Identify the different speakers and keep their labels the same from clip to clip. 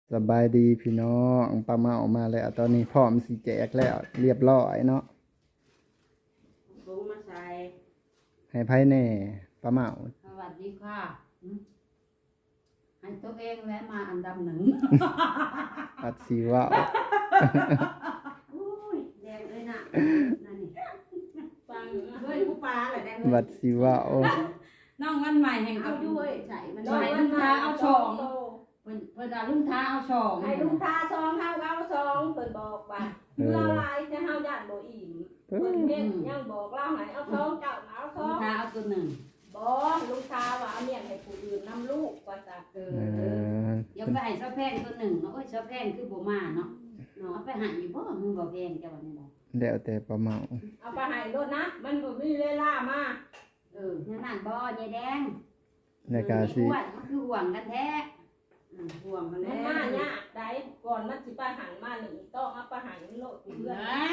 Speaker 1: สบายดีพี่น้องปลาเมาออกมาแล้วตอนนี้พร้อมสิแจกแล้วเรียบร้อยเนาะ
Speaker 2: ลงมาใส่
Speaker 1: ให้ไพ่แน่ปลาเมา
Speaker 2: สวัสดีค่ะให้ตัวเองและมาอันดับหนึ่ง
Speaker 1: ปัดสีว่าว
Speaker 2: อุ้ยแดงเลยนะนั่นนี่ฟังเฮ้ยผู้ปลาเหรอแดง
Speaker 1: บัดสีว่าว
Speaker 2: น้องวันใหม่แห่ง
Speaker 3: เอา
Speaker 2: กับ
Speaker 3: ด้วยใส่มัน
Speaker 2: ใส่ลุงท้าเอาช่องเพิ่นเอาลุงท้าเอาช่อง
Speaker 3: ให้ลุงทาซองเฮาเอาซองเพิ่นบอกว่าเราลายจะเฮาย่านบ่อิ่มเพิ่นเฮ็ดยังบอกเราให้เอาซองเจ้าเอาซ
Speaker 2: ลุ
Speaker 3: อง ง
Speaker 2: ท้าเอาตัวหนึ่ง
Speaker 3: บอกลุงทาว่าเอาเมียนให้ผู้อื่นนำลูกว่าซะ
Speaker 2: เดี๋ยวไปให้เจ้าแพงตัวหนึ่งเนาะโอ้ยเจ้าแพงคือบ่มาเนาะเนาะเอาไปหันอยู่บ่มึงบ่แพงจ้ะวันนี้บ่
Speaker 1: แล้วแต่ปลาเมา
Speaker 3: เอาไปให้รถนะมันบ่มีเวลามา
Speaker 2: นั่นนั่นบ่ยายแดง
Speaker 1: ในการสิ
Speaker 2: อ้วนมันคือห่วงกันแท้ห่วงกัน
Speaker 3: มั
Speaker 2: แล้
Speaker 3: นมาว ยากได้ก่อนมันสิไปหันมาหนึ่งต้องเอาไปหันโลดเพื่อน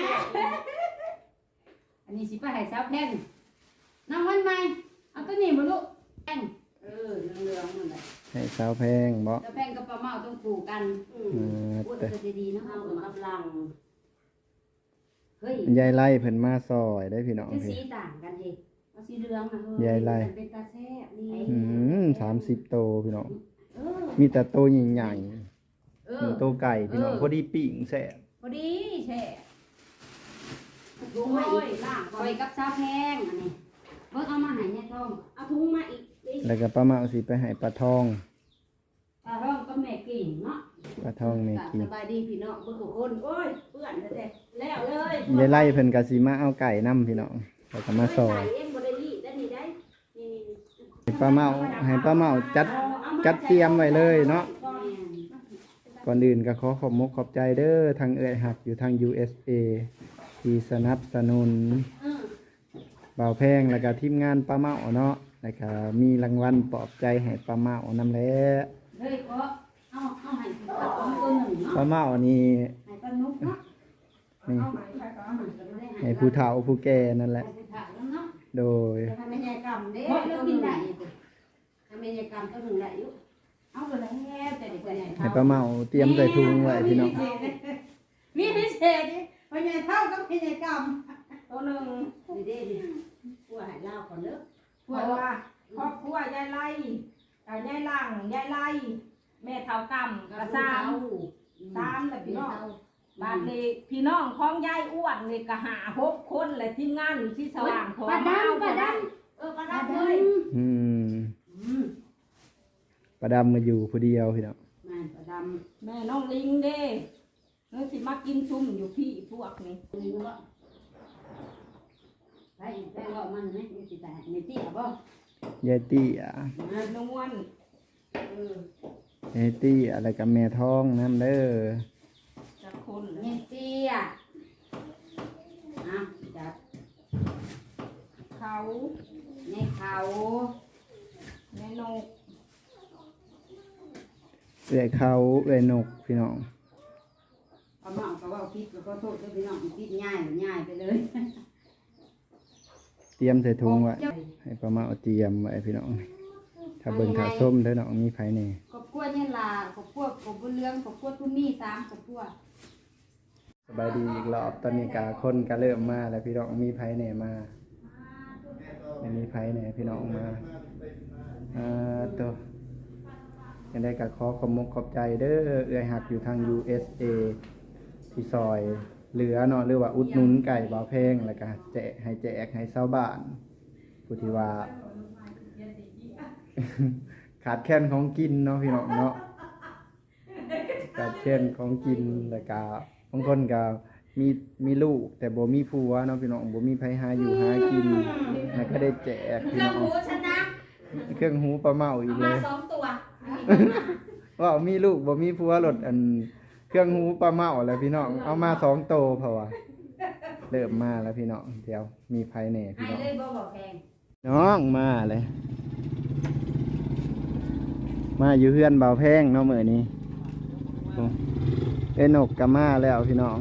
Speaker 2: อันนี้สิไปให้สาวแพงน้องวันใหม่เอาตัวนี้บ่ลูกแพงเหลืองๆนั่นแหละ
Speaker 1: ให้สาวแพงบ่
Speaker 2: สาวแพงกับปลาเมาต้องคู่กันพูด
Speaker 1: แต่
Speaker 2: ก็จะดีเนาะเอากำลังเฮ้ย
Speaker 1: ยายไล่เพิ่นมาซอยได้พี่น้อง
Speaker 2: คือ
Speaker 1: พี่
Speaker 2: สีต่างกันเองเอาสีเหลืองนะ
Speaker 1: ยายไล่
Speaker 2: เป็นตาแซ่บนี่
Speaker 1: 30 โตพี่น้อง
Speaker 2: เออ
Speaker 1: มีแต่โตใหญ่
Speaker 2: เอ
Speaker 1: ๆ
Speaker 2: อ
Speaker 1: มีโตไก่พี่น้องพอดีปิ้งแซ่บ
Speaker 2: พอดีแช่ลงมาอีกล่างคอยกับสาวแพงอันนี้เบิ่งเอามาให้เนี่ยทอง
Speaker 3: เอาถุงมาอีกดิ
Speaker 1: แล้วก็ปลาเมาสิไปให้ปลาทอง
Speaker 2: ปลาทองก็แม่กิ่งเนาะ
Speaker 1: ปลาทองแม่กิน
Speaker 3: สบายดีพี่น้องเบิ่งทุกคนโอ้ยเปื้อนแท้ๆแล้วเลย
Speaker 1: ยายไล่เพิ่นก็สิมาเอาไก่นํพี่น้องแล้วก็มาซอย
Speaker 3: เองบ่ได้รีดได้นี่ได้นี่
Speaker 1: ให้ป้าเมาจัดเตรียมไว้เลยเนาะก่อนอื่นก็ขอขอบมกขอบใจเด้อทางเอื้อยหักอยู่ทาง USA ที่สนับสนุนบ่าวแพงแล้วก็ทีมงานป้าเมาเนาะแล้วก็มีรางวัลปลอบใจให้ป้าเมานำแหล้
Speaker 2: เฮ้ยขอเอาให้ปลาทองตัวหนึ่งเนาะ
Speaker 1: ป้าเมานี่
Speaker 2: ให้ปลานุกเนาะ
Speaker 1: นี่
Speaker 2: เอาให้ปลาทองก็ไม่ได้
Speaker 1: ให้ผู้เฒ่าผู้แก่นั่นแหละ
Speaker 2: ให้ถามเนาะ
Speaker 1: โดย
Speaker 2: ทำไมยายกำเด้บ่เลิกกินได้อีกทำไมยายกำตัวหนึ่งได้อยู่เอาไปแล้วแต่เด็กใหญ่
Speaker 1: ให้ป้าเมาเตรียมใส่ถุงไว้พี่น้อง
Speaker 2: มีพิเศษดิพ่อใหญ่เท่ากับพ่อใหญ่กำ
Speaker 3: ตัวหนึง
Speaker 2: ดีเด้ดิผู้หายเล่าก่อนเด้อ
Speaker 3: เพราะว่าครอบครัวยายไล่ยายหลังยายไล่แม่เฒ่ากำกระซ้ำแต่พี่น้องบ้านนี้พี่น้องของยายอ้วนนี่ก็6 คนและทีมงานอยู่ที่สว่างของ
Speaker 2: ปลาดำปลาด
Speaker 3: ปลา
Speaker 2: ำปลา
Speaker 3: ดำ
Speaker 2: ด
Speaker 3: เลย
Speaker 1: อืมป้าดำมาอยู่ผู้เดียวพี่น้อง
Speaker 2: ำมันปลาด
Speaker 3: แม่น้องลิงเด้นึกสิมากินซุ่มอยู่พี่พวกนี้
Speaker 2: ำนี่ก็ไปไปว่ามันไหมนี่สิแต่ไม่ตีอ่ะบ่
Speaker 1: ยายตี้อ่ะ
Speaker 3: นวล
Speaker 1: ยายตี้อะไรกับแม่ท้องนั่นเด้อ
Speaker 3: จะคน
Speaker 2: ไม่ตีอ่ะอ่ะจับ
Speaker 3: เขา
Speaker 2: ในเขา
Speaker 3: แม่นก
Speaker 1: เอื้อยเขาเอื้อยนกพี่น้อง
Speaker 2: เอามาเอาก็ว่าพิษก็โทษด้วยพี่น้องพิษง่ายไปเลย
Speaker 1: เตรียมใส่ถุงไว้ให้ป้าเมาเตรียมไว้พี่น้องถ้าเบิ่งถ้าส้มเด้อน้องมีไผแน่
Speaker 2: ขอบคุณเนี่ยล่ะขอบคุณขอบคุณเรื่องขอบคุณทุนนี่3ขอบคุณ
Speaker 1: สบายดีอีกรอบตอนนี้กาคนก็เริ่มมาแล้วพี่น้องมีไผแน่มาไม่มีไผแน่พี่น้องมาตัวยังได้ก็ขอขอบมกขอบใจเด้อเอื้อยหักอยู่ทาง USA ที่ซอยเหลือเนาะหรือว่าอุดหนุนไก่บ่าวแพงแล้วก็แจกให้ชาวบ้านผู้ที่ว่า ขาดแคลนของกินเนาะพี่น้องเนาะขาดแคลนของกินแล้วก็บางคนก็มีลูกแต่บ่มีผัวเนาะพี่น้องบ่มีไผหาอยู่หากินแล้วก็ได้แจกพี่น้อง
Speaker 3: ชนะ
Speaker 1: เครื่องหูปลาเมาอีกเลย
Speaker 3: 2 ตัว
Speaker 1: ว่ามีลูกบ่มีผัวรถอันเครื่องหูปลาเมาแล้วพี่น้องเอามา2โตเพราะว่าเริ่มมาแล้วพี่น้องเดี๋ยวมีไผแหน่พี่
Speaker 2: ให้
Speaker 1: น้อง
Speaker 2: เลยบ่บอกแพง
Speaker 1: น้องมาเลยมาอยู่เฮือนเบาแพงเนาะมื้อนี้โอ้เอ้นกก็มาแล้วพี่น้อง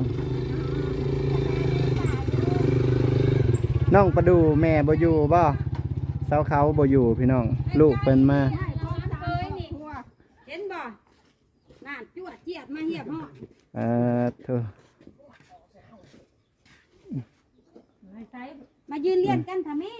Speaker 1: น้องประดูแม่บ่อยู่บ่เสาเขาบ่อยู่พี่น้องลูกเพิ่นมา
Speaker 3: เห็นบ่น่าจวด
Speaker 2: เจียดมาเหียบห่อ
Speaker 1: โธ่
Speaker 2: มายืนเรียนกันค่ะแม่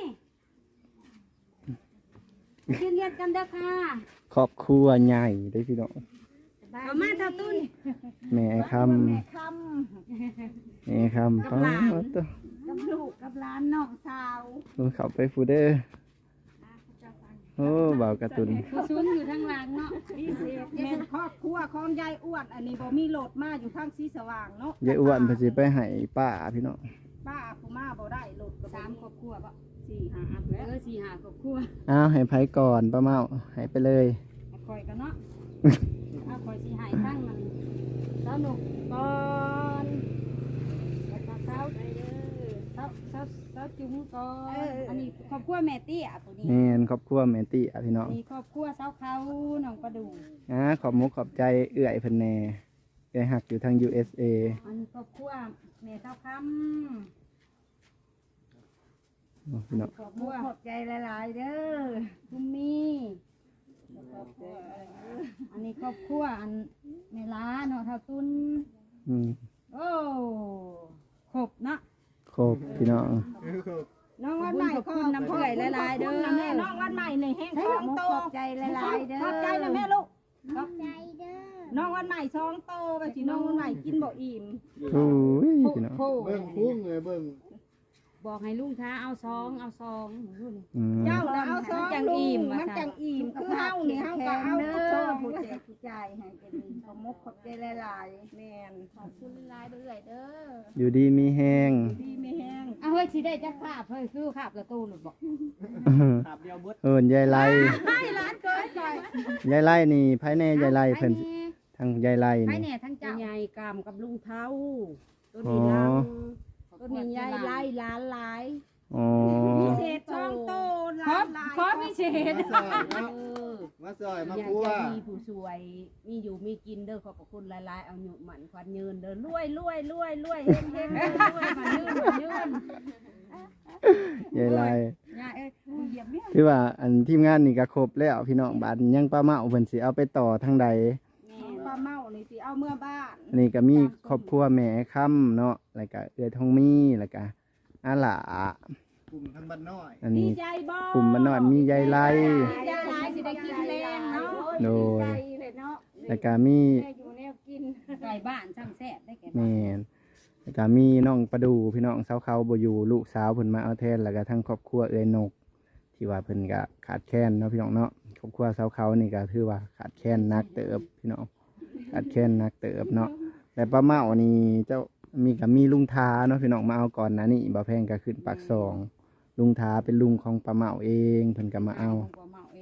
Speaker 2: ยืนเรียนกันเด้อค่ะ
Speaker 1: ครอบครัวใหญ่ได้พี่น้อง
Speaker 2: เอามาเท่าตุ้น
Speaker 1: แม่คำ
Speaker 3: แม่ค
Speaker 1: แม่คำป้าตัว
Speaker 3: ำกับลูกกับหลานน้องสาว
Speaker 1: เข้าไปฟูเดอร์โอ้บ่าวการ์ตูน
Speaker 2: ผู้ซุนอยู่ทางหลังเนาะ
Speaker 3: พิเศษแม่นครอบครัวของยายอ้วนอันนี้บ่มีโหลดมาอยู่ทางสีสว่างเนาะ
Speaker 1: ยายอ้วนเพนสิไปให้ป้าพี่น้อง
Speaker 3: ป้าผู้มาบ่ได้โหลดก็
Speaker 2: สามครอบครัวปะ
Speaker 3: 4 5อันแล้ว
Speaker 2: 4-5ครอบครัว
Speaker 1: อ้าวให้ไผก่อนป้าเมาให้ไปเลย
Speaker 2: คอยกันเนาะเอาคอยสิหายทั้งมันเจ้าหนุกก่อนแล้วก็เจ้าจุ้มก่อนอันนี้ครอบครัวแม่เตี้ยตัวนี้
Speaker 1: แม่นครอบครัวแม่ติอ่ะพี่น้อง
Speaker 2: มีครอบครัวเจ้าเขาน้องประดู
Speaker 1: ขอบมุกขอบใจเอื้อยเพิ่นแน่เอื้อยหักอยู่ทาง USA
Speaker 2: อันนี้ครอบครัวแม่เจ้าค
Speaker 1: โอ้พี่น้อง
Speaker 2: ำครอบครัวขอบใจหลายๆเด้อคุณมีอันนี้ครอบครัวอันแม่ล้าเนาะเท่าตุน
Speaker 1: อืม
Speaker 2: โอ้ครบเนาะ
Speaker 1: ครบพี่น้อง
Speaker 3: น้องวันใหม่
Speaker 2: ขอบคุณน้ำเพื่อยหลายๆเด้อ
Speaker 3: แม่น้องวันใหม่ในแห้งสองโต
Speaker 2: ขอบใจหลายๆเด้อ
Speaker 3: ขอบใจนะแม่ลูกขอบใจเด้อน้องวันใหม่สองโตไปสิน้องวันใหม่กินบ่อิ่ม
Speaker 1: โอ้ยพี่น้อง
Speaker 4: เบิ่งพุ่งเลยเบิ่ง
Speaker 2: บอกให้ลุงท้าเอาซองรุ่น
Speaker 1: อืม
Speaker 3: เจ้าน่ะเอาสอง
Speaker 2: จังอิ่ม
Speaker 3: ลูกมันจังอิ่มคือเฮานี่เฮาก็เอา
Speaker 2: เด้
Speaker 3: โต
Speaker 2: อ
Speaker 3: ผู้
Speaker 2: ผู้
Speaker 3: ใจ
Speaker 2: ใจผู้ใจให้เป็นขอบมกขอบใจหลาย
Speaker 3: แม่น
Speaker 2: ๆขอบคุณหลายๆเด้อเด้อ
Speaker 1: อยู่ดีมีแห้ง
Speaker 3: ดีไม่แห้ง
Speaker 2: เอาเฮ้ยสิได้จักขาบเฮ้ยคือขาบกระตูนหลุดบอก
Speaker 4: ขับเดียวเบิด
Speaker 1: เอิ้นยายไล่
Speaker 3: ให้ร้านเกิดก่อน
Speaker 1: ยายไล่นี่ภายในยายไล่เพิ่นทางยายไล่
Speaker 2: ไป
Speaker 1: นี่
Speaker 2: แน่ทั้งเจ้า
Speaker 3: ใหญ่กรรมกับลุงเท้าตัว
Speaker 1: อ๋อ
Speaker 3: นี้ลังตัวนี้ใหญ่ไล่ล้านหลาย
Speaker 1: อ๋อ
Speaker 3: พิเศษช่องโตล้านหลาย
Speaker 2: ขอพิเศษ
Speaker 4: มาซอยเนาะมาซอยมา
Speaker 5: อยาก
Speaker 4: พัว
Speaker 5: จะมีผู้สวย มีอยู่มีกินเด้อขอบพระคุณหลายๆเอาหยุหมันควันยืนเด้อรวยเฮงเฮงรวยมันยืน
Speaker 1: ยายไล่
Speaker 2: ยายเอ้ยเหยียบเนี่ย
Speaker 1: คือว่าอันทีมงานนี่ก็ครบแล้วพี่น้องบาดยังป้าเมาเพิ่นสิเอาไปต่อทางใด
Speaker 3: ปลาเมานี่สิเอาเมื่อบ้าน
Speaker 1: อันนี้ก็มีครอบครัวแม่ค่ำเนาะแล้วก็เอื้อยทองมีแล้วก็อาหลาก
Speaker 4: ลุ่มทั้งบ้านน้อย
Speaker 1: อัน
Speaker 3: ดี
Speaker 1: นี้
Speaker 3: ใจบ่
Speaker 1: กลุ่มบ้านนอนมียายไล่
Speaker 3: ยายหลายสิได้กินแรงเนาะ
Speaker 1: โดย
Speaker 2: ใจเลยเนาะ
Speaker 1: แล้วก็มี
Speaker 2: แม่อยู่แนวกินไก่บ้านช่างแซ่บได้แก่บ้าน
Speaker 1: แม่นแล้วก็มีน้องประดูพี่น้องสาวเขาบ่อยู่ลูกสาวเพิ่นมาเอาแทนแล้วก็ทั้งครอบครัวเอื้อยนก ที่ว่าเพิ่นก็ขาดแคลนเนาะพี่น้องเนาะครอบครัวสาวเขานี่ก็ถือว่าขาดแคลนนักเติบพี่น้องขาดแคลนนักเติบเนาะแต่ป้าเมานี่เจ้ามีลุงทาเนาะพี่น้องมาเอาก่อนนะนี่บ่แพงก็ขึ้นปากซองลุงทาเป็นลุงของป้าเมาเองเพิ่นก็มาเอา
Speaker 2: ของป้าเมาเอง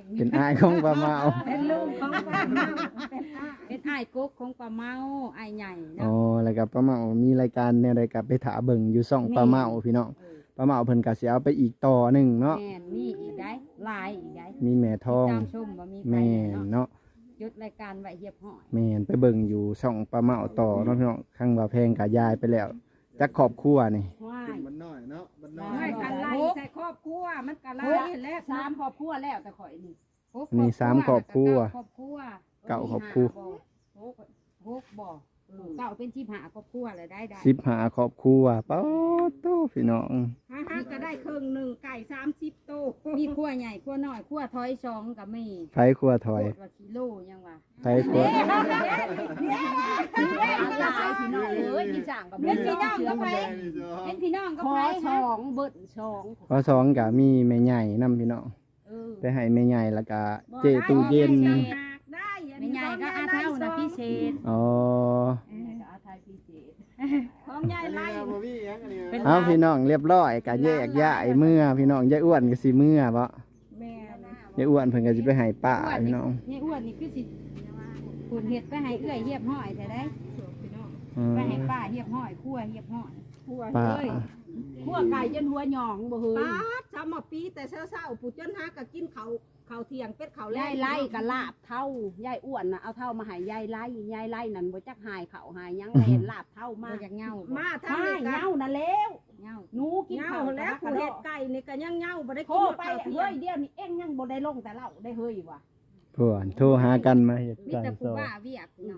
Speaker 1: เป็นอ้ายของป้าเมา
Speaker 3: เป็นลูกของปลาเมาเป็นอา
Speaker 2: เป็นอ้ายกุ๊กของป้าเมาอ้ายใหญ่
Speaker 1: อ๋อ
Speaker 2: เนาะ
Speaker 1: แล้วก็ป้าเมามีรายการแนวใดก็ไปถาเบิ่งอยู่ช่องป้าเมาพี่น้องป้าเมาเพิ่นก็สิเอาไปอีกต่อหนึงเนาะ
Speaker 2: แม่นมีอีกได้หลายอีกได้
Speaker 1: มีแม่ทอง
Speaker 2: ตามชมว่ามีไป
Speaker 1: แม่น
Speaker 2: เนาะ
Speaker 1: เนาะ
Speaker 2: ยุดรายการไว้เหียบห้อย
Speaker 1: แม่นไปเบิ่งอยู่ช่องป้าเมาต่อเนาะพี่น้องข้างว่าแพงก็ยายไปแล้วจักครอบครัวนี่
Speaker 2: ว้าย
Speaker 4: บ้านน้อยเนาะบ้านน้อ
Speaker 3: ไม่
Speaker 4: ย
Speaker 3: กันไล่ใส่ครอบครัวมันกันไล่แล้ว
Speaker 2: สามครอบครัวแล้วแต่ข่อยนี่หก
Speaker 1: มีสามครอบครัว
Speaker 2: ครอบครัว
Speaker 1: เก้าครอบครัว
Speaker 2: หกบ่เก้าเป็น15ครอบครัวเลยได้
Speaker 1: 15ครอบครัวป๊าดโตพี่น้อง
Speaker 3: ฮะก็ได้ครึ่งหนึ่งไก่30โต
Speaker 2: มีครัวใหญ่ครัวน้อยครัวถอยสองก็มี
Speaker 1: ไผครัวถอย
Speaker 2: โคตรว่ากิโลยังว่า
Speaker 1: ไผครัว
Speaker 5: หลายพี่น้องเอ้ยพี่จ่างกับ
Speaker 2: เป็นพี่น้องก็ไป
Speaker 4: แม่นี่จ้ะ
Speaker 2: เป็นพี่น้องก็
Speaker 5: ขอ
Speaker 2: ไป
Speaker 5: สองเบิดสอง
Speaker 1: ข้อสองก็มีแม่ใหญ่นํพี่น้อง
Speaker 2: เออ
Speaker 1: ไปให้แม่ใหญ่แล้วก็เจตู้เย็น
Speaker 3: ได้
Speaker 2: ไม่ใหญ่ก็อาเท่านะพิเศษ
Speaker 1: อ๋อ
Speaker 5: อาไทยพิเศษ
Speaker 3: ของยาย
Speaker 4: อัน
Speaker 3: ไล่
Speaker 4: นี้บ่มีหยังอันนี้
Speaker 5: เป็น
Speaker 1: เอาพี่น้องเรียบร้อยก็แยกย้ายเมื่อพี่น้องยายอ้วนก็สิเมื่อบ่
Speaker 3: แม่
Speaker 1: ยายอ้วนเพิ่นก็สิไปให้ป้าพี่น้อง
Speaker 2: นี่อ้วนนี่คือสิคุณเฮ็ดไปให้เอื้อยเหียบห้อยใช่ได้
Speaker 1: อืม
Speaker 2: ไปให้ป้าเหียบห้อยครัวเหียบห้อย
Speaker 3: ผัว
Speaker 1: ป้า
Speaker 3: เอ้ย
Speaker 5: ขั้วไก่จนหัวหยองบ่เฮ้ย
Speaker 3: ป้าชาวมาปีแต่เช้าๆปู่จนหาก็กินข้าวเที่ยงเป็ดข้าวแล้
Speaker 5: ยายไล่กับลาบเท่ายายอ้วนน่ะเอาเท่ามาให้ยายไล่นั่นบ่จักหายเขาหายหยังเห็นลาบเท่า
Speaker 2: บ่
Speaker 5: มา
Speaker 2: อยากเหงาบ่
Speaker 3: มาทาง
Speaker 5: ไม่
Speaker 3: นี้ก็
Speaker 5: เหงาน่ะแล้ว
Speaker 2: เหงา
Speaker 5: หนูกิน
Speaker 3: เหงา
Speaker 5: ข้าว
Speaker 3: แล้ว
Speaker 5: ก
Speaker 3: ผู้
Speaker 5: ระ
Speaker 3: เฮ็
Speaker 5: ด
Speaker 3: ดไก่นี่ก็ยังเหงาบ่ได้
Speaker 5: โทร
Speaker 3: กิน
Speaker 5: ไป
Speaker 3: ข้าวเที่ย
Speaker 5: เฮ้
Speaker 3: ง
Speaker 5: ยเดี๋ยวนี้เอ็งยังบ่ได้ลงแต่เราได้เฮ้ยว่ะ
Speaker 1: เพื่อนโทรหากันมาเฮ็ด
Speaker 2: มี
Speaker 1: การ
Speaker 2: แต่
Speaker 1: ส
Speaker 2: ผู้
Speaker 1: อน
Speaker 2: ว่าเวียกเนาะ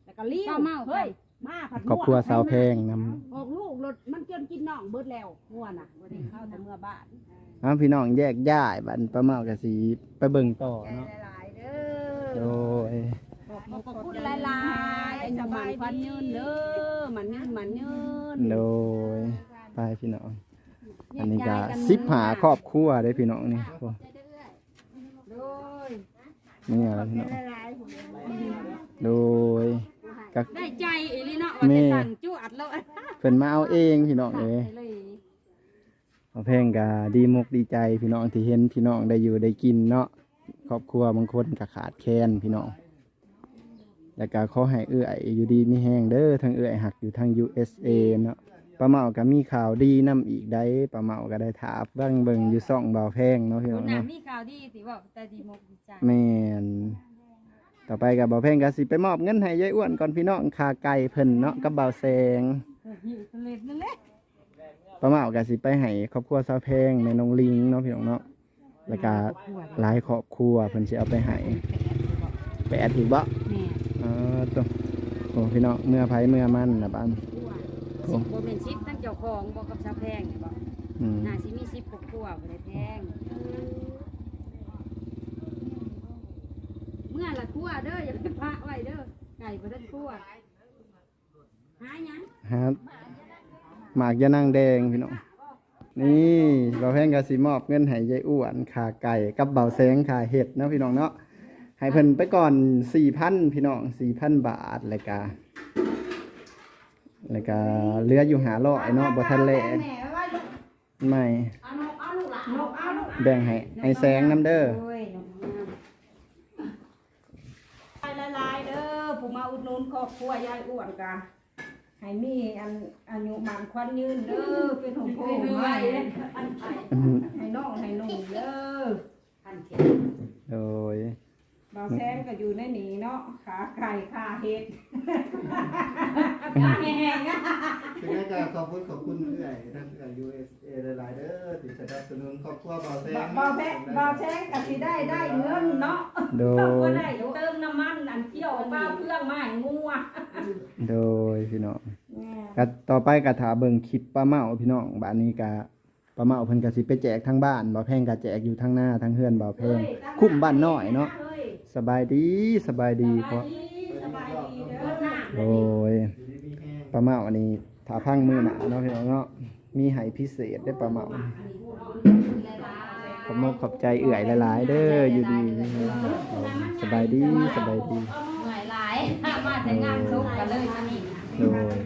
Speaker 5: แล้วก็เลี้ยว
Speaker 2: ป้าเมา
Speaker 5: เฮ้ยมาผัด
Speaker 1: ครอบครัวสาวแพงน
Speaker 5: ออกลูกรถมันจนกินน่องเบิดแล้วงัวน่ะบ่ได้เข้าแต่เมื่อบ้าน
Speaker 1: ำพี่น้องแยกย้ายบัดป้าเมากะสิไปเบิ่งต่อเนาะ
Speaker 5: หลายๆเด้
Speaker 1: โด
Speaker 5: อย ขอบคุณหลายๆสบายพันยืนเด้อมันยืน
Speaker 1: โดยไปพี่น้องอันนี้ก็15ครอบครัวเด้พี่น้องนี่โอ้
Speaker 5: โดย
Speaker 1: นี่อะไรพี่น้องโดยก็
Speaker 2: ได้ใจอีหลีเนาะว่าจะสั่งจุอัดแล้ว
Speaker 1: เพิ่นมาเอาเองพี่น้องเอ้ย
Speaker 2: เลย
Speaker 1: เอาแพงก็ดีมุกดีใจพี่น้องที่เห็นพี่น้องได้อยู่ได้กินเนาะครอบครัวบางคนก็ขาดแคลนพี่น้องแล้วก็ขอให้เอื้อยอยู่ดีมีแห้งเด้อทั้งเอื้อยหักอยู่ทาง USA เนาะป้าเมาก็มีข่าวดีนํอีกได้ป้าเมาก็ได้ถามเบิ่งอยู่ซ่องเบาแพงเนาะพี่น้
Speaker 2: คุ
Speaker 1: อ
Speaker 2: ณ
Speaker 1: ง
Speaker 2: น่ะ
Speaker 1: เนาะ
Speaker 2: มีข่าวดีสิบอกแต่ดีมกดีใจ
Speaker 1: แม่นต่อไปกับเบาแพงก็สิไปมอบเงินให้ยายอ้วนก่อนพี่น้องค่าไก่เพิ่นเนาะกับเบาแซง
Speaker 2: หิวทะเลนั่นแหละ
Speaker 1: ป้าเมาก็สิไปให้ครอบครัวสาวแพงแม่น้องลิงเนาะพี่น้องเนาะแล้วก็หลายครอบครัวเพิ่นสิเอาไปให้ไปแอดอีกบ่
Speaker 2: แม่
Speaker 1: ตัวโอ้พี่น้องเมื่อไผเมื่อมันนะบ้าน
Speaker 2: สิบบ่เป็นสิบทั้งเจ้าของบ่กับชาวแพงนี่บ่
Speaker 1: อืม
Speaker 2: น่าสิมี10กว่าบ่ได้แพงเมื่อละคั่วเด้ออย่าไปพะไว้เด้อไก่บ่ทันคั่วหาหยัง
Speaker 1: ฮะหมากยะนางแดงพี่น้องนี่เบาแพงก็สิมอบเงินให้ยายอ้วนค่าไก่กับเบาแสงค่าเห็ดเนาะพี่น้องเนาะให้เพิ่นไปก่อน 4,000 พี่น้อง 4,000 บาทแล้วก็เหลืออยู่500เนาะบ่ทันแลกไม่
Speaker 3: เอานกเอาลูกหลานนกเอาลูก
Speaker 1: แบ่งให้แสงน้ำเด้อ
Speaker 2: โอ้ยน้องงาม
Speaker 3: ละลายเด้อผู้มาอุดหนุนครอบครัวยายอ้วนกะให้มีอันอายุมันควันยืนเด้อเป็นของพ่อไว้อันไปให้น้องให้นุ่งเด้อ
Speaker 1: โดย
Speaker 3: บ่าวแซมก็อยู่ในนี้เนาะขาไก่ขาเห็ดขาแห้งๆอะ
Speaker 4: เป็นไงก็ขอบคุณเอื้อยท่านเอื้อย USA หลายๆเด้อที่สนับสนุนครอบครัวเบาแซง
Speaker 3: บ่าวแซมก็สิได้เงินเนาะ
Speaker 1: โด
Speaker 3: ก็
Speaker 1: ย
Speaker 3: ได้เติมน้ำมันอันเที่ยวบ้าเครื่องมาให้งัว
Speaker 1: โดยพี่น้องก็ต่อไปก็ถาเบิ่งคลิปป้าเมาพี่น้องบ้านนี้ก็ป้าเมาเพิ่นก็สิไปแจกทั้งบ้านบ่าวแพงก็แจกอยู่ทั้งหน้าทั้งเฮือนบ่าวแพงคุ้มบ้านน้อยเนาะสบายดีเพราะ
Speaker 3: สบายดีเด้อหน้า
Speaker 1: โอ้ยป้าเมาอันนี้ถ้าพังมือหนาเนาะพี่น้องเนาะมีให้พิเศษได้ป้าเมาขอบใจเอื่อยหลายๆเด้ออยู่ดีสบายดี
Speaker 2: เหนื่อยหลายมาแต่งานซุกกันเลยมานี่
Speaker 1: โดย